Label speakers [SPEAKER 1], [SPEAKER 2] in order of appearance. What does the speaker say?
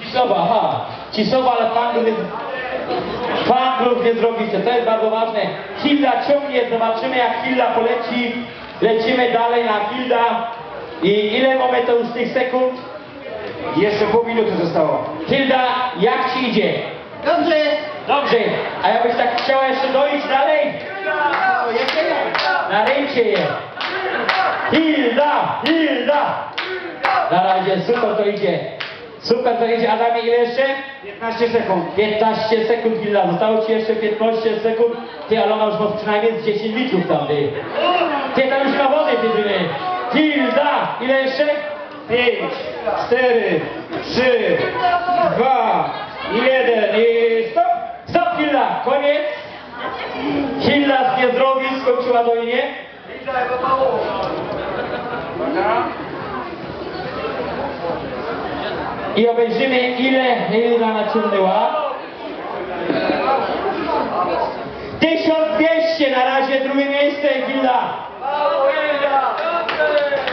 [SPEAKER 1] Cisowa, aha. Cisowa, ale fanglów nie zrobicie, to jest bardzo ważne. Hilda ciągnie, zobaczymy jak Hilda poleci. Lecimy dalej na Hilda. I ile mamy to już tych sekund?
[SPEAKER 2] Jeszcze pół minuty zostało.
[SPEAKER 1] Hilda, jak ci idzie?
[SPEAKER 3] Dobrze.
[SPEAKER 1] Dobrze. A jakbyś tak chciała jeszcze dojść dalej?
[SPEAKER 3] No, jeszcze ja.
[SPEAKER 1] Na ręcie je. Hilda! Hilda! Na razie, super to idzie. Super to idzie. Adamie, ile jeszcze?
[SPEAKER 2] 15 sekund.
[SPEAKER 1] 15 sekund, Hilda. Zostało ci jeszcze 15 sekund. Ty, ale ona już ma przynajmniej z 10 litrów tam, ty. Ty, tam już ma wody, ty. Hilda! Ile jeszcze?
[SPEAKER 2] 5, 4, 3, 2, 1 i stop!
[SPEAKER 1] Stop, Hilda! Koniec! Hilda z Niezdrowi skończyła dojnie. I obejrzymy, ile Hilda naciągnęła. 1200, na razie drugie miejsce, Hilda.